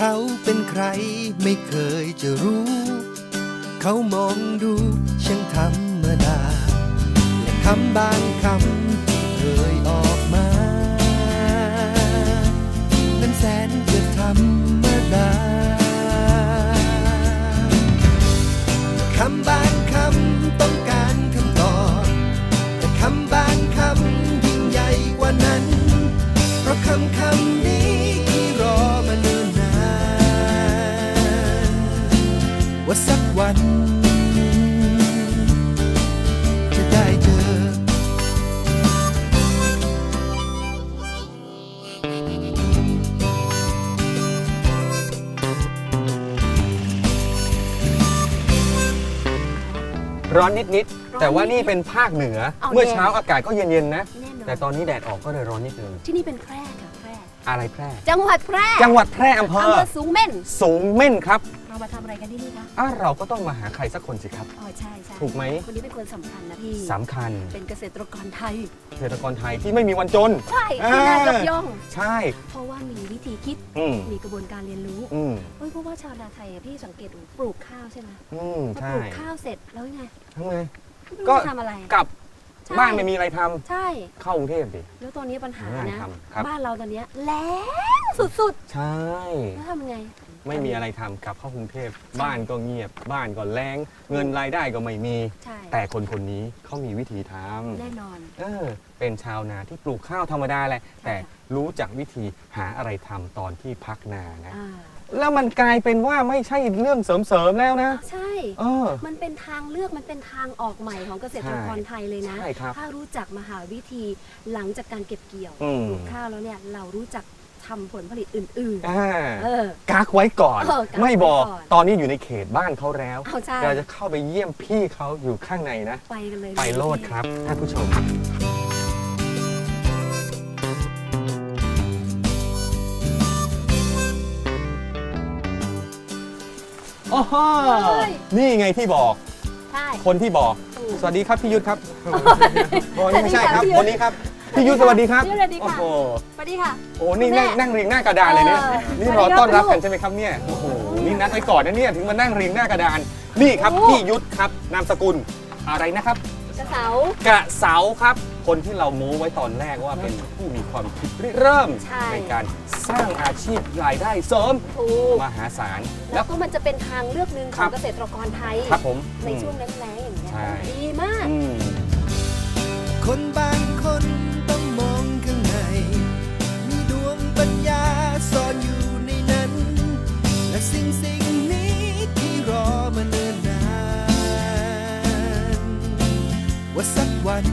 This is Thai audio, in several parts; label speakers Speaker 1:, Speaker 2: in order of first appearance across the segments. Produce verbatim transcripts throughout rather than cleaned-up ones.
Speaker 1: เขาเป็นใครไม่เคยจะรู้เขามองดูช่างธรรมดาและคำบางคำที่เคยออกมานั้นแสนจะธรรมดาคำบางคำต้องการคำตอบแต่คำบางคำยิ่งใหญ่กว่านั้นเพราะคำคำนี้ที่รอมาเนิ่นนานว่าสักวันจะได้เจอ
Speaker 2: ร้อนนิดๆแต่ว่านี่เป็นภาคเหนือเมื่อเช้าอากาศก็เย็นๆนะแต่ตอนนี้แดดออกก็เลยร้อนนิดนึง
Speaker 3: ที่นี่เป็นแพร่ค่ะแพร่
Speaker 2: อะไรแพร่
Speaker 3: จังหวัดแพร่
Speaker 2: จังหวัดแพร่อำเภอ
Speaker 3: สูงเม่น
Speaker 2: สูงเม่นครับ
Speaker 3: เรามาทำอะไรกันที่นี่คะ
Speaker 2: อ่ะเราก็ต้องมาหาใครสักคนสิครับ
Speaker 3: อ๋อใช่ใช่
Speaker 2: ถูกไหม
Speaker 3: คนนี้เป็นคนสำคัญนะพี่
Speaker 2: สำคัญ
Speaker 3: เป็นเกษตรกรไทย
Speaker 2: เกษตรกรไทยที่ไม่มีวันจน
Speaker 3: ใช่ที่น่ายกย่อง
Speaker 2: ใช่
Speaker 3: เพราะว่ามีวิธีคิดมีกระบวนการเรียนรู้เฮ้ยเพราะว่าชาวนาไทยพี่สังเกตปลูกข้าวใช่ไหมพอปลูกข้าวเสร็จแล้วยังไง
Speaker 2: ทำไงก็
Speaker 3: ทำอะไร
Speaker 2: กลับบ้านไม่มีอะไรทำ
Speaker 3: ใช่
Speaker 2: เข้ากรุงเทพดิ
Speaker 3: แล้วตอนนี้ปัญหานะบ้านเราตอนนี้แล้งสุด
Speaker 2: ๆใช่
Speaker 3: แล้วทำยังไง
Speaker 2: ไม่มีอะไรทำกลับเข้ากรุงเทพบ้านก็เงียบบ้านก็แล้งเงินรายได้ก็ไม่มีแต่คนคนนี้เขามีวิธีทำ
Speaker 3: แน่นอน
Speaker 2: เออเป็นชาวนาที่ปลูกข้าวธรรมดาแหละแต่รู้จักวิธีหาอะไรทำตอนที่พักนานะแล้วมันกลายเป็นว่าไม่ใช่เรื่องเสริมๆแล้วนะ
Speaker 3: ใช่มันเป็นทางเลือกมันเป็นทางออกใหม่ของเกษตรกรไทยเลยนะถ้ารู้จักมาหาวิธีหลังจากการเก็บเกี่ยวปลูกข้าวแล้วเนี่ยเรารู้จักทำผลผลิตอื่น
Speaker 2: ๆกักไว้ก่อนไม่บอกตอนนี้อยู่ในเขตบ้านเขาแล้วเราจะเข้าไปเยี่ยมพี่เขาอยู่ข้างในนะ
Speaker 3: ไปกันเลย
Speaker 2: ไปโลดครับท่านผู้ชมโอ้โหนี่ไงที่บอกคนที่บอกสวัสดีครับพี่ยุทธครับโอ้นี่ไม่ใช่ครับคนนี้ครับพี่ยุทธสวัสดีครับโอ้โห
Speaker 3: สวัสดีค่ะ
Speaker 2: โอ้นี่นั่งเรียงหน้ากระดานเลยเนี่ยนี่รอต้อนรับกันใช่ไหมครับเนี่ยโอ้โหนี่นัดไว้ก่อนนะเนี่ยถึงมานั่งเรียงหน้ากระดานนี่ครับพี่ยุทธครับนามสกุลอะไรนะครับ
Speaker 3: กระเสาก
Speaker 2: ระเสาครับคนที่เราโม้ไว้ตอนแรกว่าเป็นผู้มีความคิดเริ่มในการสร้างอาชีพรายได้เสริมมหาศาล
Speaker 3: แล้วก็มันจะเป็นทางเลือกหนึ่งของเกษตรกรไทย
Speaker 2: ครับผม
Speaker 3: ในช่วงแล้งๆอย่างเงี้ยดีมาก
Speaker 1: คนบางคนต้องมองข้างในมีดวงปัญญาซ่อนอยู่ในนั้นและสิ่งสิ่งนี้ที่รอมาเนิ่นนานว่าสักวัน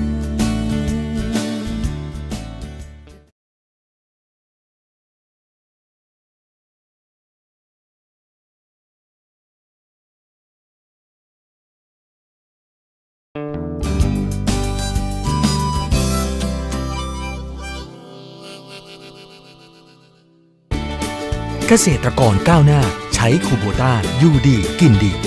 Speaker 4: เกษตรกรก้าวหน้าใช้คูโบต้าอยู่ดีกินดี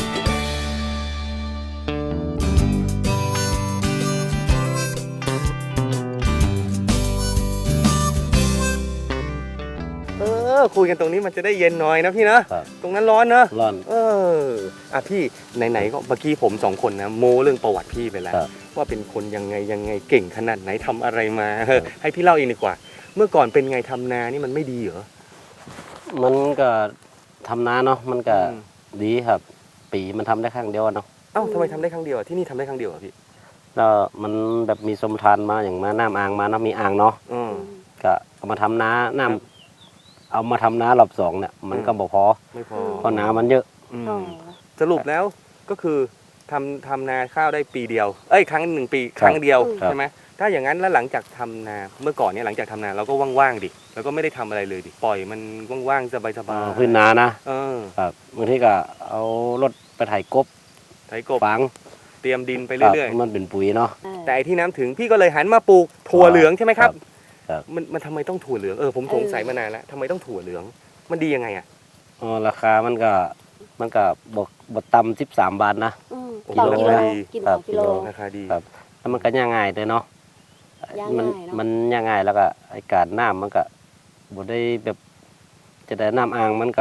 Speaker 2: เออคุยกันตรงนี้มันจะได้เย็นหน่อยนะพี่นะตรงนั้นร้อนนะ
Speaker 5: ร้อน
Speaker 2: เอออ่ะพี่ไหนๆก็เมื่อกี้ผมสองคนนะโม้เรื่องประวัติพี่ไปแล้วว่าเป็นคนยังไงยังไงเก่งขนาดไหนทำอะไรมาให้พี่เล่าเองดีกว่าเมื่อก่อนเป็นไงทำนานี่มันไม่ดีเหรอ
Speaker 5: มันก็ทำนาเนาะมันก็ดีครับปีมันทำได้ครั้งเดียวเนาะ
Speaker 2: เอ้าทำไมทำได้ครั้งเดียวที่นี่ทำได้ครั้งเดียวอ่ะพี่
Speaker 5: แล้วมันแบบมีสมทานมาอย่างมาน้ำอ่างมาน้ำมีอ่างเนาะก็เอามาทำนาน้ำเอามาทำนารอบสองเนี่ยมันก็บอกพอ
Speaker 2: ไม่พอ
Speaker 5: เพราะน้ำมันเยอะ
Speaker 2: สรุปแล้วก็คือทำทำนาข้าวได้ปีเดียวเอ้ยครั้งหนึ่งปีครั้งเดียวใช่ไหมถ้าอย่างนั้นแล้วหลังจากทำนาเมื่อก่อนเนี่ยหลังจากทำนาเราก็ว่างๆดิแล้วก็ไม่ได้ทำอะไรเลยดิปล่อยมันว่างๆสบายๆ
Speaker 5: พื้นนานะครับบางทีก็เอารถไปไถกบ
Speaker 2: ไถกบ
Speaker 5: ฝัง
Speaker 2: เตรียมดินไปเรื่อย
Speaker 5: ๆมันเป็นปุ๋ยเนาะ
Speaker 2: แต่ไอ้ที่น้ำถึงพี่ก็เลยหันมาปลูกถั่วเหลืองใช่ไหมครับมันมันทำไมต้องถั่วเหลืองเออผมสงสัยมานานแล้วทำไมต้องถั่วเหลืองมันดียังไงอ่ะ
Speaker 5: อ๋อราคามันก็มันก็บกบกต่ำสิบสามบาทนะ
Speaker 3: กิโลครับกิโล
Speaker 2: ราคาดี
Speaker 5: ครับแล้วมันก็ย่างง่ายเลยเนาะมันมันย่างง่ายแล้วก็ไอ้การน้ำมันก็บ่ได้แบบจะได้น้ำอ่างมันก็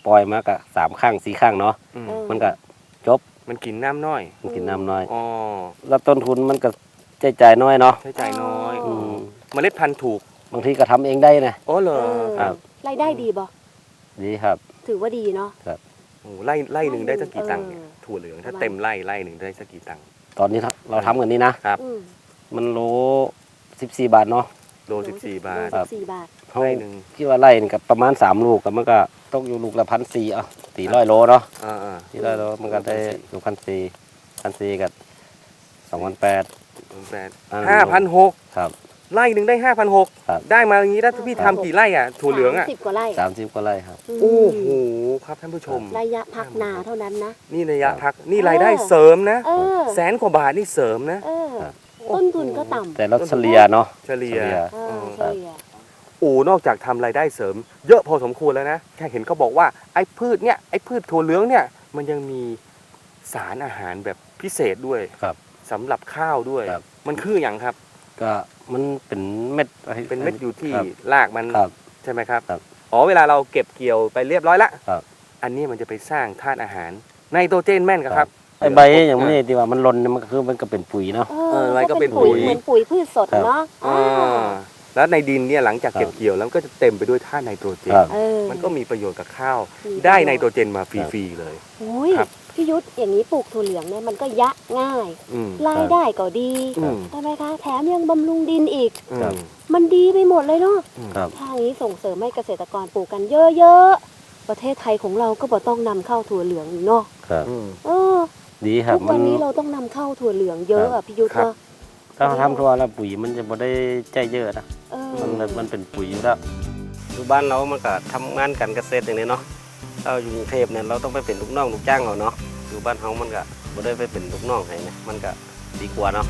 Speaker 5: ปล่อยมากะสามข้างสี่ข้างเนาะ
Speaker 2: อืม
Speaker 3: เออ
Speaker 5: มันก็จบ
Speaker 2: มันกินน้ำน้อย
Speaker 5: มันกินน้ำน้อย
Speaker 2: อ๋อ
Speaker 5: แล้วต้นทุนมันก็ใช้จ่ายน้อยเนาะ
Speaker 2: ใช้จ่ายน้อย
Speaker 5: อืม
Speaker 2: เมล็ดพันธุ์ถูก
Speaker 5: บางทีก็ทำเองได้นะ
Speaker 2: อ๋อเหรอ
Speaker 3: เออ
Speaker 5: ครับ
Speaker 3: รายได้ดีบ่
Speaker 5: ดีครับ
Speaker 3: ถือว่าดีเนาะ
Speaker 2: โอ้ไล่ไล่หนึ่งได้สักกี่ตังค์เนี่ย
Speaker 3: เออ
Speaker 2: ถั่วเหลืองถ้า
Speaker 3: ประมาณ
Speaker 2: เต็มไล่ไล่หนึ่งได้สักกี่ตังค์
Speaker 5: ตอนนี้เราทำกันนี้นะ
Speaker 2: ครับ
Speaker 3: อืม
Speaker 5: มันโลสิบสี่บาทเนาะ
Speaker 2: โลสิบสี่บาท
Speaker 3: โลสิบสี่บาท
Speaker 5: เขา
Speaker 2: ไล่หนึ่ง
Speaker 5: คิดว่าไร่นี่กับประมาณสามลูกกับมันก็ตกอยู่ลูกละพันสี่อ่ะสี่ร้อยโลเนาะ
Speaker 2: อ่าอ่า
Speaker 5: สี่ร้อยโลมันก็ได้ลูกพันสี่พันสี่กับสองพันแปด
Speaker 2: แปด
Speaker 5: อ่า
Speaker 2: ห้าพันหก
Speaker 5: ครับ
Speaker 2: ไล่หนึ่งได้ห้าพันหก
Speaker 5: ครับ
Speaker 2: ได้มาอย่างนี้ถ้าพี่ทำกี่ไร่อ่ะถั่วเหลืองอ่ะ
Speaker 3: สามสิบกว่าไร่
Speaker 5: สามสิบกว่าไร่ครับ
Speaker 3: ม
Speaker 2: โอ้โหครับท่านผู้ชม
Speaker 3: ระยะพักนาเท่านั้นนะ
Speaker 2: นี่ระยะ
Speaker 5: ครับ
Speaker 2: พักนี่รายได้เสริมนะ
Speaker 3: เออ
Speaker 2: แสนกว่าบาทนี่เสริมนะ
Speaker 3: เออ
Speaker 5: ครับ
Speaker 3: ต้นทุนก็ต่ำ
Speaker 5: แต่เราเฉลี่ยเนาะ
Speaker 2: เฉลี่ย
Speaker 5: เฉลี่ย
Speaker 3: เออเฉลี่ย
Speaker 2: โอ้นอกจากทำรายได้เสริม เยอะพอสมควรแล้วนะแค่เห็นเขาบอกว่าไอ้พืชเนี่ยไอ้พืชถั่วเหลืองเนี่ยมันยังมีสารอาหารแบบพิเศษด้วย
Speaker 5: ครับ
Speaker 2: สำหรับข้าวด้วย
Speaker 5: ครับ
Speaker 2: มันคืออย่างครับ
Speaker 5: ก็มันเป็นเม็ด
Speaker 2: เป็นเม็ดอยู่ที่
Speaker 5: ครับ
Speaker 2: รากมัน
Speaker 5: ครับ
Speaker 2: ใช่ไหมครับ
Speaker 5: ครับ
Speaker 2: อ๋อเวลาเราเก็บเกี่ยวไปเรียบร้อยละ
Speaker 5: ครับ
Speaker 2: อันนี้มันจะไปสร้างธาตุอาหารไนโตรเจนแม่นกับครับ
Speaker 5: ไอ้ใบอย่างนี้ที่ว่ามันหล่นเนี่ยมันก็คือมันก็เป็นปุ๋ยเนาะ
Speaker 3: เอ
Speaker 2: เอออะไรก็เป็น
Speaker 3: ปุ๋ย
Speaker 2: ปุ๋ย
Speaker 3: เหมือนปุ๋ยพืชสด
Speaker 5: ครับ
Speaker 3: เนาะ
Speaker 2: อ่า
Speaker 3: อ่า
Speaker 2: แล้วในดินเนี่ยหลังจากเก็บ
Speaker 5: ครับ
Speaker 2: เกี่ยวแล้วก็จะเต็มไปด้วยธาตุไนโตรเจน
Speaker 5: ครับ
Speaker 3: เออ
Speaker 2: มันก็มีประโยชน์กับข้าว
Speaker 3: มี
Speaker 2: ได้
Speaker 3: ประโยชน์
Speaker 2: ไนโตรเจนมาฟรีๆเลย
Speaker 3: โอ้ย
Speaker 2: ครับ
Speaker 3: พี่ยุทธอย่างนี้ปลูกถั่วเหลืองเนี่ยมันก็ยะง่าย
Speaker 2: อืม
Speaker 3: รายได้ก็ดี
Speaker 2: อืม
Speaker 3: ใช่ไหมคะ แถมยังบำรุงดินอีก
Speaker 2: อื
Speaker 5: ครับ
Speaker 2: ม
Speaker 3: มันดีไปหมดเลยเนาะ
Speaker 5: ครับ
Speaker 3: ทางนี้ส่งเสริมให้เกษตรกรปลูกกันเยอะๆ ประเทศไทยของเราก็บ่ต้องนำเข้าถั่วเหลืองอีกเนาะ
Speaker 5: ครับ
Speaker 2: อืม
Speaker 3: เออ
Speaker 5: ดีครับ
Speaker 3: ทุกวันนี้เราต้องนำเข้าถั่วเหลืองเยอะอ่ะพี่ยุทธ
Speaker 2: ครับ
Speaker 3: เนาะ
Speaker 5: ถ้าเราทำทั่วแล้วปุ๋ยมันจะไม่ได้ใจเยอะนะ
Speaker 3: เออ
Speaker 5: มันแบบมันเป็นปุ๋ยอยู่แล้วอยู่บ้านเรามันก็ทำงานกันเกษตรอย่างนี้เนาะเราอยู่กรุงเทพเนี่ยเราต้องไปเป็นลูกน้องลูกจ้างเราเนาะอยู่บ้านเฮามันก็ไม่ได้ไปเป็นลูกน้องให้นะมันก็ดีกว่าเนาะ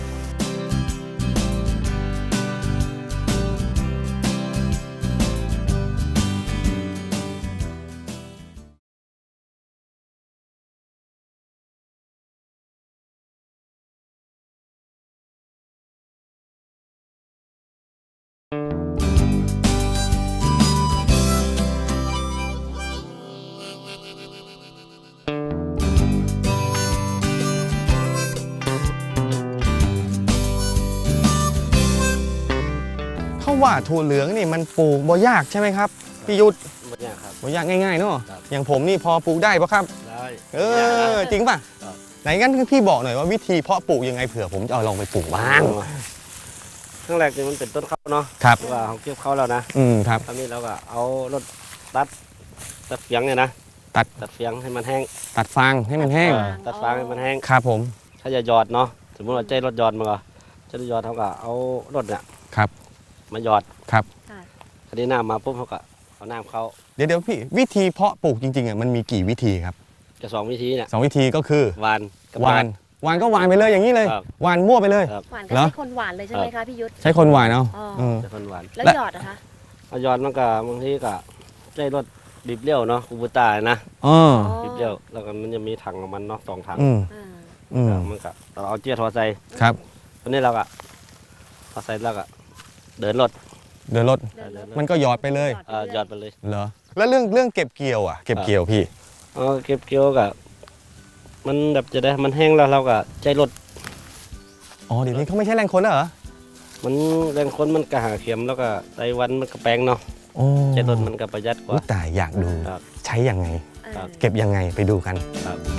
Speaker 6: เขาว่าถั่วเหลืองนี่มันปลูกบ่ยากใช่ไหมครับพี่ยุทธ
Speaker 5: ไม่ยากครับ
Speaker 6: บ่ยากง่ายๆเนาะ
Speaker 5: ครับ
Speaker 6: อย่างผมนี่พอปลูกได้ปะครับ
Speaker 5: ได้
Speaker 6: เออจริงป่ะ
Speaker 5: ครับ
Speaker 6: ไหนงั้นพี่บอกหน่อยว่าวิธีเพาะปลูกยังไงเผื่อผมจะเอาลองไปปลูกบ้าง
Speaker 5: ครั้งแรกเนี่ยมันเป็นต้นข้าวเนาะ
Speaker 6: ครับ
Speaker 5: ว่าเขาเก็บข้าวแล้วนะ
Speaker 6: อืมครับ
Speaker 5: ตอนนี้เราก็เอารถตัดตัดเฟียงเนี่ยนะ
Speaker 6: ตัด
Speaker 5: ตัดเฟียงให้มันแห้ง
Speaker 6: ตัดฟางให้มันแห้ง
Speaker 5: เออตัดฟางให้มันแห้ง
Speaker 6: ครับผม
Speaker 5: ถ้าจะหยอดเนาะสมมติว่าใจรถหยอดมาก็จะหยอดเขาก็เอารถเนี่ย
Speaker 6: ครับ
Speaker 5: มาหยอด
Speaker 6: ครับ
Speaker 5: คดีน้ำมาปุ๊บเขาก็เอาน้ำเข้า
Speaker 6: เดี๋ยวเดี๋ยวพี่วิธีเพาะปลูกจริงๆอ่ะมันมีกี่วิธีครับ
Speaker 5: จะสองวิธีเนี่ย
Speaker 6: สองวิธีก็คือ
Speaker 5: หวานกับ
Speaker 6: หวานหวานก็หวานไปเลยอย่างนี้เลย
Speaker 5: ครับ
Speaker 6: หวานมั่วไปเลย
Speaker 5: ครับ
Speaker 3: หวานก็
Speaker 6: เหรอ
Speaker 3: ใช้คนหวานเลยใช่ไหมคะพี่ยุทธ
Speaker 6: ใช้คนหวานเอา
Speaker 3: อ๋อ
Speaker 6: เออ
Speaker 5: จะคนหวาน
Speaker 3: แล้ว
Speaker 6: และ
Speaker 3: หยอดนะคะ
Speaker 5: เอาหยอดมันก็บางทีก็ใจรถดิบเลี้ยวเนาะคูบูต้านะ
Speaker 6: อ๋อ
Speaker 5: ดิบเลี้ยวแล้วก็มันจะมีถังของมันเนาะสองถัง
Speaker 6: อืม
Speaker 3: อ่า
Speaker 6: อืม
Speaker 5: มันก็เราเอาเจี๊ยทอใส่
Speaker 6: ครับ
Speaker 5: ตอนนี้เราก็พอใส่แล้วก็เดินรถ
Speaker 6: เดินรถ
Speaker 3: เดินรถ
Speaker 6: มันก็หยอดไปเลย
Speaker 5: เอ่อหยอดไปเลย
Speaker 6: เหรอแล้วเรื่องเรื่องเก็บเกี่ยวอ่ะเก็บเกี่ยวพี่
Speaker 5: เอาเก็บเกี่ยวกับมันแบบจะได้มันแห้งแล้วเราก็ใจรถ
Speaker 6: อ๋อเดี๋ยวนี้เขาไม่ใช่แรงคนแล้วเหรอ
Speaker 5: มันแรงคนมันก็หาเข็มแล้วก็ไต้หวันมันก็แปลงเนาะ
Speaker 6: โอ้
Speaker 5: ใจรถมันก็ประหยัดก
Speaker 6: อุ๊
Speaker 5: ว่า
Speaker 6: ยแต่อยากดู
Speaker 5: ครับ
Speaker 6: ใช้ยังไง
Speaker 3: เออ
Speaker 5: ครับ
Speaker 6: เก็บยังไงไปดูกัน
Speaker 5: ครับ
Speaker 6: ไป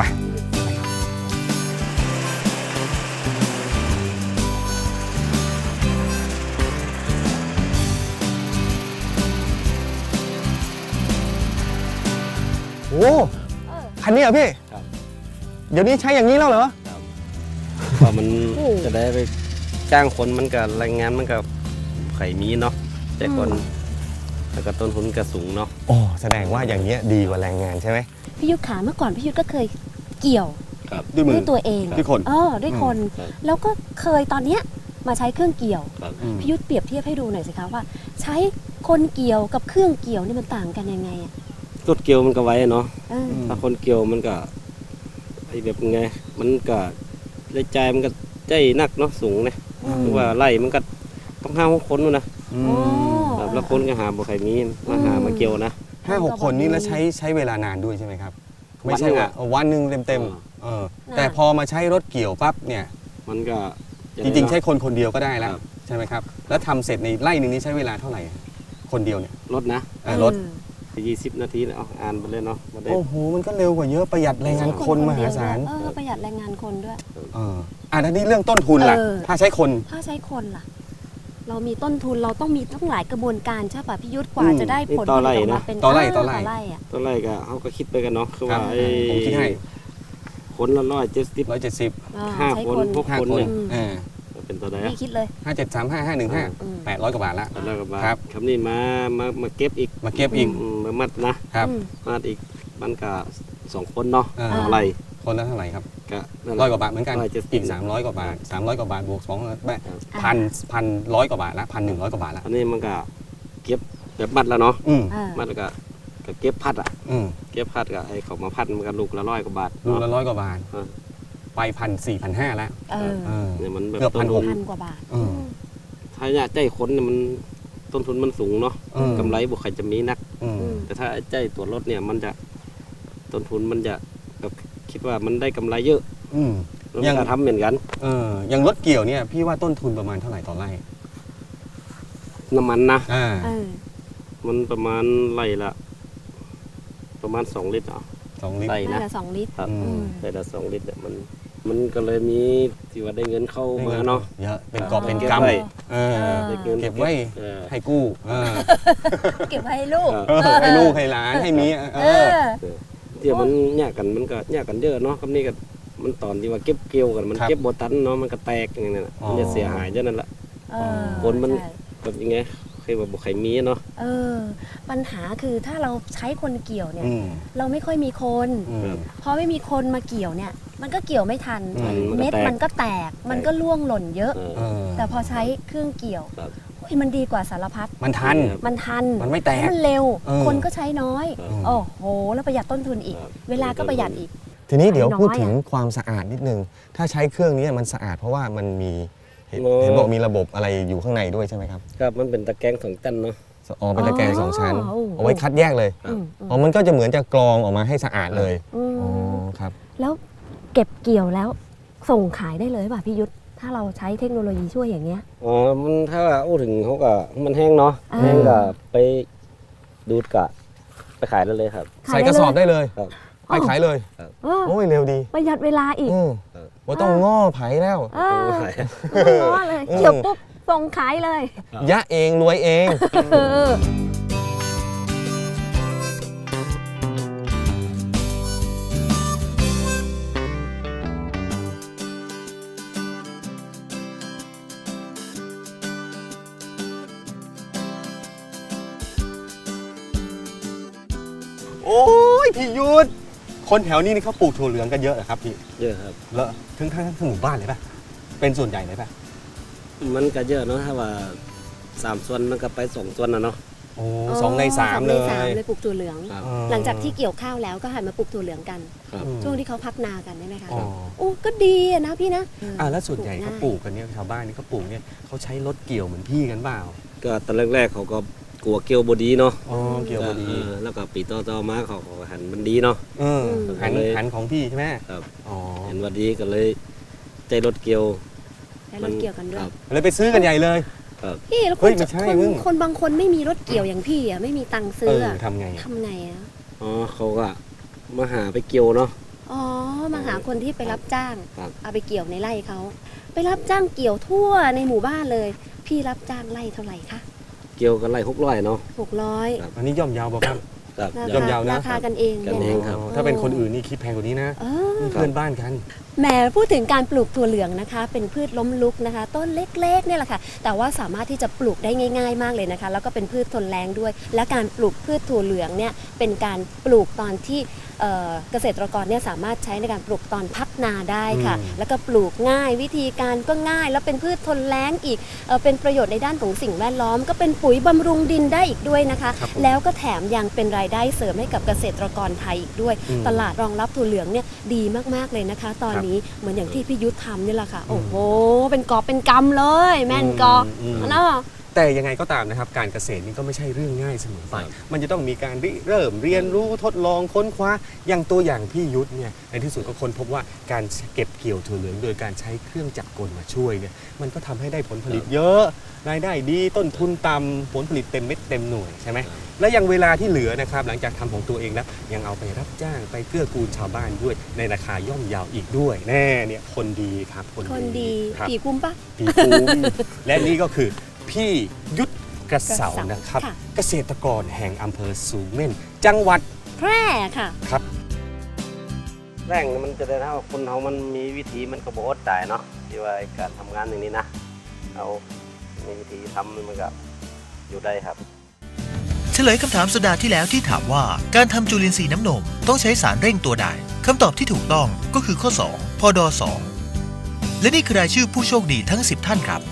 Speaker 6: โอ้
Speaker 3: เออ
Speaker 6: คันนี้เหรอพี่
Speaker 5: ครับ
Speaker 6: เดี๋ยวนี้ใช้อย่างนี้แล้วเหรอ
Speaker 5: เพราะมัน
Speaker 3: โอ้
Speaker 5: จะได้ไปจ้างคนมันก็แรงงานมันก็ไข่มีเนาะแต่คนแล้วก็ต้นทุนก็สูงเนาะ
Speaker 6: โอ้แสดงว่าอย่างเงี้ยดีกว่าแรงงานใช่ไหม
Speaker 3: พี่ยุทธขาเมื่อก่อนพี่ยุทธก็เคยเกี่ยว
Speaker 6: ด้วยมื
Speaker 3: ด้
Speaker 6: อ
Speaker 3: วยตัวเอง
Speaker 6: ด้วยคน
Speaker 3: เออด้วยคน
Speaker 5: ครับ
Speaker 3: แล้วก็เคยตอนเนี้ยมาใช้เครื่องเกี่ยว
Speaker 5: ครับ
Speaker 3: พี่ยุทธเปรียบเทียบให้ดูหน่อยสิคะว่า ใช้คนเกี่ยวกับเครื่องเกี่ยวนี่มันต่างกันยังไงอ่ะ
Speaker 5: รถเกี่ยวมันก็ไว้เนาะ
Speaker 3: เออ
Speaker 5: ถ้าคนเกี่ยวมันก็ไอแบบไงมันก็รายจ่ายมันก็ใจหนักเนาะสูงนะ
Speaker 3: อืม
Speaker 5: คือว่าไล่มันก็ต้องห้าหกคนนู่นนะ
Speaker 3: อ๋อ
Speaker 5: ครับแล้วคนก็หาบ่ใครมีมาหามาเกี่ยวนะ
Speaker 6: ห้าหกคนนี่แล้วใช้ใช้เวลานานด้วยใช่ไหมครับ ไม่ใช่ว่าวันหนึ่งเต็มๆเออแต่พอมาใช้รถเกี่ยวปั๊บเนี่ย
Speaker 5: มันก็
Speaker 6: จริงๆ ใช้คนคนเดียวก็ได้แล้ว
Speaker 5: ครับ
Speaker 6: ใช่ไหมครับ แล้วทำเสร็จในไร่หนึ่งนี้ใช้เวลาเท่าไหร่ คนเดียวเนี่ย
Speaker 5: รถนะ
Speaker 6: เออรถ
Speaker 5: ยี่สิบนาทีนะเอาอ่านไปเลยเนาะบ่ได้
Speaker 6: โอ้โหมันก็เร็วกว่าเยอะประหยัดแรงงานคนมหาศาล
Speaker 3: เออประหยัดแรงงานคนด้วย
Speaker 6: เอออ่ะทีนี้เรื่องต้นทุนล่ะ
Speaker 3: เออ
Speaker 6: ถ้าใช้คน
Speaker 3: ถ้าใช้คนล่ะ เรามีต้นทุนเราต้องมีต้องหลายกระบวนการใช่ป่ะพี่ยุทธกว่า
Speaker 6: อืม
Speaker 3: จะได้ผลผลิตออกมาเป็น
Speaker 6: ต่อไร่
Speaker 3: เ
Speaker 6: ต่อไร่
Speaker 3: อ่ะ
Speaker 5: ตอนแรกก็เขาก็คิดไปกันเนาะคือ
Speaker 6: ครั
Speaker 5: ว่า
Speaker 6: บ
Speaker 5: ไอ้
Speaker 6: ผมคิดให้
Speaker 5: คนละร้อยเจ็ดสิบ
Speaker 6: ร้อยเจ็ดสิบ
Speaker 3: อ่า
Speaker 5: ห้า
Speaker 3: ใช้
Speaker 5: คน
Speaker 3: คน
Speaker 5: พวก
Speaker 6: ห้า
Speaker 5: คน
Speaker 6: คน
Speaker 5: เนี่ย
Speaker 6: เออ
Speaker 5: เป็นตัวใด
Speaker 3: พี่คิดเลย
Speaker 6: ห้าเจ็ดสามห้าห้าหนึ่งห้า
Speaker 3: อืม
Speaker 6: แปดร้อยกว่าบาทละ
Speaker 5: แล้วก็มา
Speaker 6: ครับ
Speaker 5: คำนี้มามามาเก็บอีก
Speaker 6: มาเก็บอีก
Speaker 5: อืมมามัดนะครับ
Speaker 3: อืม
Speaker 5: มัดอีกมันก็สองคนเนาะ
Speaker 6: เออ
Speaker 5: เท่าไหร่
Speaker 6: คนละเท่าไหร่ครับ
Speaker 5: ก็นั่นแห
Speaker 6: ร้อย
Speaker 5: ละ
Speaker 6: กว่าบาทเหมือนกัน
Speaker 5: ร้อยเจ็ดสิบ
Speaker 6: อีกสามร้อยกว่าบาทสามร้อยกว่าบาทบวกสอง
Speaker 5: ครับ
Speaker 6: พันพันร้อยกว่าบาทละพันหนึ่งร้อยกว่าบาทละ
Speaker 5: อันนี้มันก็เก็บแบบมัดแล้วเนาะ
Speaker 6: อืม
Speaker 3: อ่า
Speaker 5: มัดแล้วก็ก็เก็บพัดอ่ะ
Speaker 6: อืม
Speaker 5: เก็บพัดก็ไอ้เขามาพัดมันก็ลูกละร้อยกว่าบาท
Speaker 6: ลูก
Speaker 5: เนาะ
Speaker 6: ละร้อยกว่าบาท
Speaker 5: เออ
Speaker 6: ไปพันสี่พันห้าแล้ว
Speaker 3: เออ
Speaker 6: เออ
Speaker 5: เนี่ยมันแบบ
Speaker 6: เกือบ
Speaker 5: ต้น
Speaker 6: พันห
Speaker 5: ทุ
Speaker 6: ก
Speaker 5: น
Speaker 3: พันกว่าบาท
Speaker 6: เออ
Speaker 5: ถ้าเนี่ยใจคนเนี่ยมันต้นทุนมันสูงเนาะ
Speaker 6: เออก
Speaker 5: ำไรบุคคลจะมีนัก
Speaker 6: อืม
Speaker 3: อืม
Speaker 5: แต่ถ้าไอ้ใจตัวรถเนี่ยมันจะต้นทุนมันจะแบบคิดว่ามันได้กำไรเยอะ
Speaker 6: อืม
Speaker 5: แล้ว
Speaker 6: ยั
Speaker 5: มัน
Speaker 6: ง
Speaker 5: ก็ทำเหมือนกัน
Speaker 6: เอออย่างรถเกี่ยวเนี่ยพี่ว่าต้นทุนประมาณเท่าไหร่ต่อไร่
Speaker 5: น้ำมันนะ
Speaker 6: อ่า
Speaker 3: เออ
Speaker 5: มันประมาณไร่ละประมาณสองลิตรอ่ะ
Speaker 6: สองลิตร
Speaker 5: ไร่
Speaker 3: น่า
Speaker 5: นะ
Speaker 3: จะสองลิตร
Speaker 5: ครับ
Speaker 6: อืม
Speaker 5: ไร่ละสองลิตรเนี่ยมันมันก็เลยมีที่ว่าได้เงินเข้ามาเนาะ
Speaker 6: เยอะเป็นกอบ
Speaker 3: เออ
Speaker 6: เป็น
Speaker 5: เก็บ
Speaker 6: กำ
Speaker 5: ไว้
Speaker 6: เออ
Speaker 5: ได้เงิน
Speaker 6: เก็บไว้
Speaker 5: เออ
Speaker 6: ให้กู้เออ
Speaker 3: เก็บไว้ให้ลูก
Speaker 5: ครับ
Speaker 6: เออให้ลูกให้หลานให้เมียเอ
Speaker 3: เอ
Speaker 6: อ
Speaker 3: อ
Speaker 5: เดี๋ยวมันแยกกันมันก็แยกกันเยอะเนาะคำนี้ก็มันตอนที่ว่าเก็บเกี่ยวกันมัน
Speaker 6: ครับ
Speaker 5: เก็บโบตันเนาะมันก็แตกอย่างนั้นน่ะ
Speaker 6: อ๋อ
Speaker 5: มันจะเสียหายเยอะนั่นแหละ
Speaker 3: เออ
Speaker 5: คนมัน
Speaker 3: ใช่
Speaker 5: แบบยังไงเคยว่าบอกใครมีเนาะ
Speaker 3: เออ ปัญหาคือถ้าเราใช้คนเกี่ยวเนี่ย
Speaker 6: อืม
Speaker 3: เราไม่ค่อยมีคน
Speaker 6: อืม
Speaker 3: พอไม่มีคนมาเกี่ยวเนี่ย มันก็เกี่ยวไม่ทัน
Speaker 6: อืม
Speaker 3: เม็ดมันก็แตก มันก็ร่วงหล่นเยอะ
Speaker 5: เออ
Speaker 6: เออ
Speaker 3: แต่พอใช้เครื่องเกี่ยว
Speaker 5: ครับ
Speaker 3: โอ้ยมันดีกว่าสารพัด
Speaker 6: มันทัน
Speaker 3: มันทัน
Speaker 6: มันไม่แตก
Speaker 3: แล้วมันเร็ว
Speaker 6: เออ
Speaker 3: คนก็ใช้น้อย
Speaker 5: ครับ
Speaker 3: โอ้โห แล้วประหยัดต้นทุนอีก
Speaker 5: ครับ
Speaker 3: เวลาก็ประหยัดอีก
Speaker 6: ทีนี้เดี๋ยว
Speaker 3: น้อย
Speaker 6: พูดถึง
Speaker 3: อะ
Speaker 6: ความสะอาดนิดนึง ถ้าใช้เครื่องนี้มันสะอาดเพราะว่ามันมีเห็น
Speaker 5: โอ้
Speaker 6: เห็นบอกมีระบบอะไรอยู่ข้างในด้วยใช่ไหมครับ
Speaker 5: ครับมันเป็นตะแกรงสองตันเนาะ
Speaker 6: อ๋อเป็นตะแกรงสองชั้น
Speaker 3: อ๋อ
Speaker 6: เอาไว้คัดแยกเลย
Speaker 5: ครับ
Speaker 3: อืมอืม
Speaker 6: อ๋อมันก็จะเหมือนจะกรองออกมาให้สะอาดเลย
Speaker 3: อืม
Speaker 6: อ๋อครับ
Speaker 3: แล้วเก็บเกี่ยวแล้วส่งขายได้เลยป่ะพี่ยุทธถ้าเราใช้เทคโนโลยีช่วยอย่างเงี้ย
Speaker 5: อ๋อมันถ้าว่าโอ้ถึงเขาก็มันแห้งเนาะ
Speaker 3: อ่า
Speaker 5: แห้งก็ไปดูดกะไปขายได้เลยครับ
Speaker 6: ใส่กระสอบได้เลย
Speaker 5: ครับ
Speaker 6: ไปขายเลย
Speaker 3: เออ
Speaker 6: โอ้ยเร็วดี
Speaker 3: ประหยัดเวลาอีก
Speaker 6: อืม
Speaker 5: ครับ
Speaker 6: ว่าต้องง้อไผ่แล้ว
Speaker 3: เออ
Speaker 5: ขาย
Speaker 3: ไม่ง้อเลย
Speaker 6: อืม
Speaker 3: เกี่ยวปุ๊บส่งขายเลย
Speaker 6: ยะเองรวยเอง
Speaker 3: เออ
Speaker 6: โอ้ยพี่ยุทธคนแถวนี้นี่เขาปลูกถั่วเหลืองกันเยอะเหรอครับพี่
Speaker 5: เยอะครับ
Speaker 6: เลอะถึงทั้งทั้งหมู่บ้านเลยป่ะเป็นส่วนใหญ่เลยป่ะ
Speaker 5: มันก็เยอะเนาะถ้าว่าสามส่วนมันก็ไปสองส่วนนะเนาะ
Speaker 6: โอ้สองในสามเล
Speaker 3: สองในสาม
Speaker 6: ย
Speaker 3: เลยปลูกถั่วเหลือง
Speaker 5: ครับ
Speaker 6: อ๋อ
Speaker 3: หลังจากที่เกี่ยวข้าวแล้วก็หันมาปลูกถั่วเหลืองกัน
Speaker 5: ครับ
Speaker 6: อืม
Speaker 3: ช่วงที่เขาพักนากันได้ไหมคะ
Speaker 6: อ๋อ
Speaker 3: โอ้ก็ดีอะนะพี่นะ
Speaker 6: อ่าแล้วส่วนใหญ่เขา
Speaker 3: ง่ย
Speaker 6: ปลูกกันเนี่ยชาวบ้านนี่เขาปลูกเนี่ยเขาใช้รถเกี่ยวเหมือนพี่กันเปล่า
Speaker 5: ก็ตอนแรกๆเขาก็กลัวเกี่ยวบดีเนาะ
Speaker 6: อ๋อเกี่ยวพอดี
Speaker 5: เออแล้วก็ปีต่อๆมาเขาก็หันมันดีเนาะ
Speaker 6: เออหัน
Speaker 5: เลย
Speaker 6: หันของพี่ใช่ไหม
Speaker 5: ครับ
Speaker 6: อ๋อ
Speaker 5: เห็นว่าดีก็เลยใจรถเกี่ยว
Speaker 3: ใช้รถเกี่ยวกันด้วย
Speaker 5: ครับ
Speaker 6: เลยไปซื้อกันใหญ่เลย
Speaker 3: พี่แล้วค
Speaker 6: เฮ้
Speaker 3: น
Speaker 6: ยไม่ใช่
Speaker 3: คน
Speaker 6: มึง
Speaker 3: คนบางคนไม่มีรถเกี่ยวอย่างพี่อ่ะไม่มีตังค์ซื้
Speaker 6: เอ
Speaker 3: อ
Speaker 6: อ
Speaker 3: อะ
Speaker 6: ทำไงอะ
Speaker 3: ทำไงอ่ะ
Speaker 5: อ๋อเขาก็มาหาไปเกี่ยวเนาะ
Speaker 3: อ๋อมาหาคนที่ไปรับจ้าง
Speaker 5: ครับ
Speaker 3: เอาไปเกี่ยวในไร่เขาไปรับจ้างเกี่ยวทั่วในหมู่บ้านเลย พี่รับจ้างไร่เท่าไหร่คะ
Speaker 5: เกี่ยวกันไล่หกร้อยเนาะ
Speaker 3: หกร้อย
Speaker 5: ครับ
Speaker 6: อันนี้ย่อมเยาวบอกครับ
Speaker 5: ครับ
Speaker 3: รา
Speaker 6: ย่อม
Speaker 3: คา
Speaker 6: เยาว์นะ
Speaker 3: ราคากันเอง
Speaker 5: กัน
Speaker 3: เนี่ย
Speaker 5: เอง
Speaker 3: นะ
Speaker 5: ครับ
Speaker 6: อ๋อถ้าเป็นคนอื่นนี่คิดแพงกว่านี้นะ
Speaker 3: เออ
Speaker 6: นี่เพื่อนบ้านกัน
Speaker 3: แหมพูดถึงการปลูกถั่วเหลืองนะคะ เป็นพืชล้มลุกนะคะ ต้นเล็กๆเนี่ยแหละค่ะ แต่ว่าสามารถที่จะปลูกได้ง่าย ๆ มากเลยนะคะ แล้วก็เป็นพืชทนแล้งด้วย และการปลูกพืชถั่วเหลืองเนี่ยเป็นการปลูกตอนที่เอ่อเกษตรกรเนี่ยสามารถใช้ในการปลูกตอนพักนาได้ค่ะ
Speaker 6: อืม
Speaker 3: แล้วก็ปลูกง่ายวิธีการก็ง่าย แล้วเป็นพืชทนแล้งอีกเอ่อเป็นประโยชน์ในด้านของสิ่งแวดล้อม ก็เป็นปุ๋ยบำรุงดินได้อีกด้วยนะคะ
Speaker 6: ครับผม
Speaker 3: แล้วก็แถมยังเป็นรายได้เสริมให้กับเกษตรกรไทยอีกด้วย
Speaker 6: อืม
Speaker 3: ตลาดรองรับถั่วเหลืองเนี่ยดีมากๆเลยนะคะ ตอนนี้เหมือนอย่างที่พี่ยุทธทำนี่แหละค่ะ โอ้โห เป็นกอบเป็นกำเลย แม่นกอบ
Speaker 6: อืม
Speaker 3: เนาะ
Speaker 6: แต่ยังไงก็ตามนะครับการเกษตรนี่ก็ไม่ใช่เรื่องง่ายเสมอไปมันจะต้องมีการริเริ่มเรียนรู้ทดลองค้นคว้าอย่างตัวอย่างพี่ยุทธเนี่ยในที่สุดก็ค้นพบว่าการเก็บเกี่ยวถั่วเหลืองโดยการใช้เครื่องจักรกลมาช่วยเนี่ยมันก็ทำให้ได้ผลผลิตเยอะรายได้ดีต้นทุนต่ำผลผลิตเต็มเม็ดเต็มหน่วยใช่ไหมและยังเวลาที่เหลือนะครับหลังจากทำของตัวเองแล้วยังเอาไปรับจ้างไปเกื้อกูลชาวบ้านด้วยในราคาย่อมเยาวอีกด้วยแน่เนี่ยคนดีครับ
Speaker 3: คนดี
Speaker 6: ครับ
Speaker 3: ผีคุ้มปะ
Speaker 6: ปีภูมิและนี่ก็คือพี่ยุทธกระเสานะครับ
Speaker 3: ค่ะ
Speaker 6: เกษตรกรแห่งอำเภอสูงเม่นจังหวัด
Speaker 3: แพร่ค่ะ
Speaker 6: ครับ
Speaker 5: แรงมันจะได้นะว่าคนเขามันมีวิธีมันก็บ่อดตายเนาะที่ว่าการทำงานอย่างนี้นะเอามีวิธีทำมันก็อยู่ได้ครับ
Speaker 7: เฉลยคำถามสัปดาห์ที่แล้วที่ถามว่าการทำจุลินทรีย์น้ำนมต้องใช้สารเร่งตัวใดคำตอบที่ถูกต้องก็คือข้อ สอง พด สอง และนี่คือรายชื่อผู้โชคดีทั้งสิบท่านครับ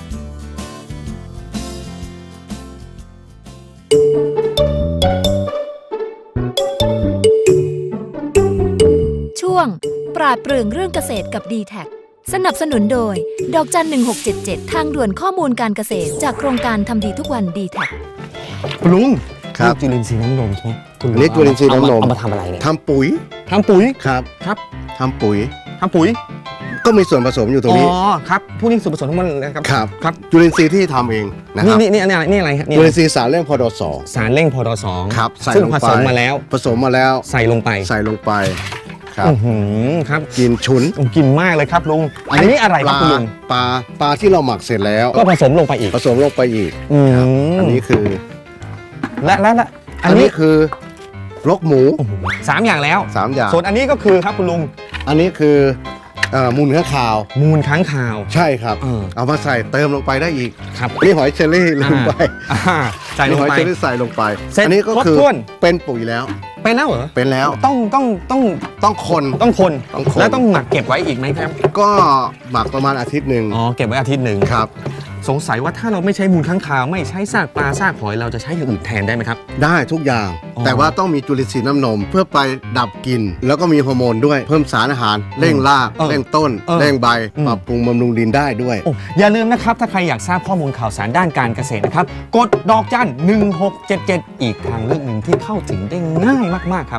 Speaker 8: ช่วงปราดเปรื่องเรื่องเกษตรกับ ดี แท็ก สนับสนุนโดยดอกจันหนึ่งหกเจ็ดเจ็ดทางด่วนข้อมูลการเกษตรจากโครงการทำดีทุกวัน ดี แท็ก
Speaker 6: คุณลุง
Speaker 9: ครับ
Speaker 6: นี่จุลินทรีย์น้ำนมใช่ไหมคุณ
Speaker 9: อันนี้จุลินทรีย์น้ำนม
Speaker 6: เอามาทำอะไรเนี่ย
Speaker 9: ทำปุ๋ย
Speaker 6: ทำปุ๋ย
Speaker 9: ครับ
Speaker 6: ครับ
Speaker 9: ทำปุ๋ย
Speaker 6: ทำปุ๋ย
Speaker 9: ก็มีส่วนผสมอยู่ตรงนี้
Speaker 6: อ๋อครับผู้นี้ส่วนผสมทั้งหมดเลยครับ
Speaker 9: ครับ
Speaker 6: ครับ
Speaker 9: จุลินทรีย์ที่ทำเองนะค
Speaker 6: นี่
Speaker 9: รับ
Speaker 6: นี่นี่นี่อะไรนี่อะไรครับนี่
Speaker 9: จุลินทรีย์สารเร่งพอดสอง
Speaker 6: สารเร่งพดสอง
Speaker 9: ครับใส่
Speaker 6: ซึ่ง
Speaker 9: ลง
Speaker 6: ผ
Speaker 9: ไป
Speaker 6: สมมาแล้ว
Speaker 9: ผสมมาแล้ว
Speaker 6: ใส่ลงไป
Speaker 9: ใส่ลงไปครับ
Speaker 6: อื้อหือครับ
Speaker 9: กินฉุน
Speaker 6: ผมกินมากเลยครับลุงอันนี้อะไรครับคุณลุง
Speaker 9: ปลาปลาที่เราหมักเสร็จแล้ว
Speaker 6: ก็ผสมลงไปอีก
Speaker 9: ผสมลงไปอีก
Speaker 6: อืม
Speaker 9: ครับอันนี้คือ
Speaker 6: และและและ
Speaker 9: อันนี้คือรกหมู
Speaker 6: โอ้โหสามอย่างแล้ว
Speaker 9: สามอย่าง
Speaker 6: ส่วนอันนี้ก็คือครับคุณลุง
Speaker 9: อันนี้คือเอ่อมูลข้างคาว
Speaker 6: มูลค้างคาว
Speaker 9: ใช่ครับ
Speaker 6: เออ
Speaker 9: เอามาใส่เติมลงไปได้อีก
Speaker 6: ครับ
Speaker 9: อันนี้หอยเชอรี่ลงไป
Speaker 6: อ่าใส่ลง
Speaker 9: หอย
Speaker 6: ไป
Speaker 9: เชอรี่ใส่ลงไป
Speaker 6: เสร็จ
Speaker 9: อันนี้ก็คือ
Speaker 6: ครบถ้วน
Speaker 9: เป็นปุ๋ยแล้ว
Speaker 6: ไปแล้วเหรอ
Speaker 9: เป็นแล้ว
Speaker 6: ต้องต้องต้อง
Speaker 9: ต้องคน
Speaker 6: ต้องคน
Speaker 9: ต้องคน
Speaker 6: แล้วต้องหมักเก็บไว้อีกไหมครับ
Speaker 9: ก็หมักประมาณอาทิตย์หนึ่ง
Speaker 6: อ๋อเก็บไว้อาทิตย์หนึ่ง
Speaker 9: ครับ
Speaker 6: สงสัยว่าถ้าเราไม่ใช้มูลค้างคาวไม่ใช้ซากปลาซากหอยเราจะใช้อย่างอื่นแทนได้ไหมครับ
Speaker 9: ได้ทุกอย่าง
Speaker 6: อ๋อ
Speaker 9: แต่ว่าต้องมีจุลินทรีย์น้ำนม เพื่อไปดับกลิ่นแล้วก็มีฮอร์โมนด้วย เพิ่มสารอาหาร เร่งราก
Speaker 6: เออ
Speaker 9: เร่งต้น
Speaker 6: เออ
Speaker 9: เร่งใบ
Speaker 6: อืม
Speaker 9: ปรับปรุงบำรุงดินได้ด้วย
Speaker 6: โอ้อย่าลืมนะครับถ้าใครอยากทราบข้อมูลข่าวสารด้านการเกษตรนะครับกดดอกจันหนึ่งหกเจ็ดเจ็ดอีกทางเลือกหนึ่งที่เข้าถึงได้ง่ายมากๆครับ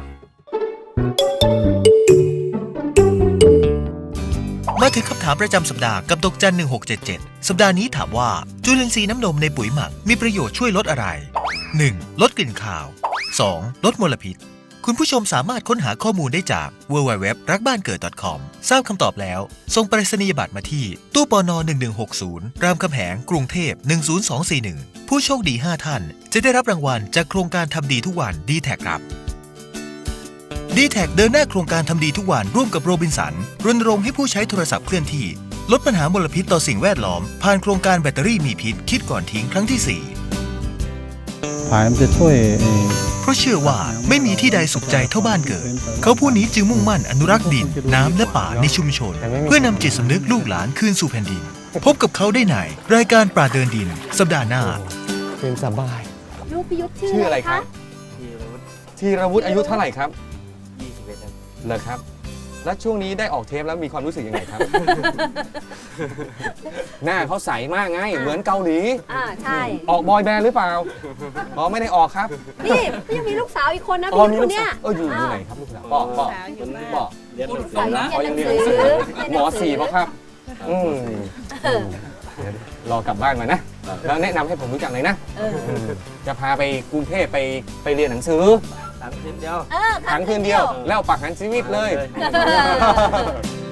Speaker 7: มาถึงคำถามประจำสัปดาห์กับดอกจันหนึ่งหกเจ็ดเจ็ดสัปดาห์นี้ถามว่าจุลินทรีย์น้ำนมในปุ๋ยหมักมีประโยชน์ช่วยลดอะไร หนึ่ง ลดกลิ่นคาว สอง ลดมลพิษ คุณผู้ชมสามารถค้นหาข้อมูลได้จาก ดับเบิลยู ดับเบิลยู ดับเบิลยู ดอท รักบ้านเกิด ดอท คอม ทราบคำตอบแล้วส่งไปรษณียบัตรมาที่ตู้ปนหนึ่งหนึ่งหกศูนย์รามคำแหงกรุงเทพหนึ่งศูนย์สองสี่หนึ่งผู้โชคดีห้าท่านจะได้รับรางวัลจากโครงการทำดีทุกวัน ดี แท็ก ครับ ดี แท็ก เดินหน้าโครงการทำดีทุกวันร่วมกับโรบินสันรณรงค์ให้ผู้ใช้โทรศัพท์เคลื่อนที่ลดปัญหามลพิษต่อสิ่งแวดล้อมผ่านโครงการแบตเตอรี่มีพิษคิดก่อนทิ้งครั้งที่สี่
Speaker 10: ผายมันจะช่วยเอ่อ
Speaker 7: เพราะเชื่อว่าไม่มีที่ใดสุขใจเท่าบ้านเกิด เขาผู้นี้จึงมุ่งมั่นอนุรักษ์ดินน้ำและป่าในชุมชน เพื่อนำจิตสำนึกลูกหลานคืนสู่แผ่นดิน พบกับเขาได้ในรายการปราดเดินดิน สัปดาห์หน้า
Speaker 6: เป็นสบาย
Speaker 3: ลูกพิยุทธชื่
Speaker 6: ชื่อ
Speaker 3: อ
Speaker 6: อะ
Speaker 3: อะไร ไร
Speaker 6: ครั
Speaker 3: คะ
Speaker 6: บธีรวุฒิอายุเท่าไหร่ครับ
Speaker 5: ยี่สิบเอ็ดครับ
Speaker 6: เหรอครับ แล้วช่วงนี้ได้ออกเทปแล้วมีความรู้สึกยังไงครับ หน้าเขาใสมากไงเหมือนเกาหลี
Speaker 3: อ่าใช่
Speaker 6: ออกบอยแบนด์หรือเปล่าอ๋อไม่ได้ออกครับ
Speaker 3: นี่ยังมีลูกสาวอีกคนนะ
Speaker 6: อ๋อ
Speaker 3: พี่
Speaker 6: มี
Speaker 3: ยุท
Speaker 6: ลู
Speaker 3: ธ
Speaker 6: ก
Speaker 3: เนี่
Speaker 6: สาวย เอออยู่อยู่ไหนครับลูกสาวปอปอปอ
Speaker 5: เรียนหนังสื
Speaker 3: สาว
Speaker 5: อนะ
Speaker 6: อ๋อยังเรียนหนังสือหมอสี่ป่ะครับอืมเดี๋ยวรอกลับบ้านมานะแล้วแนะนำให้ผมรู้จักเลยนะ
Speaker 3: เออ
Speaker 6: อืมจะพาไปกรุงเทพไปไปเรียนหนังสือ
Speaker 5: สามเดือนเดียว
Speaker 3: เออ
Speaker 6: ครั้งคืนเดียว แล้วปักหันชีวิตเลย
Speaker 5: เลย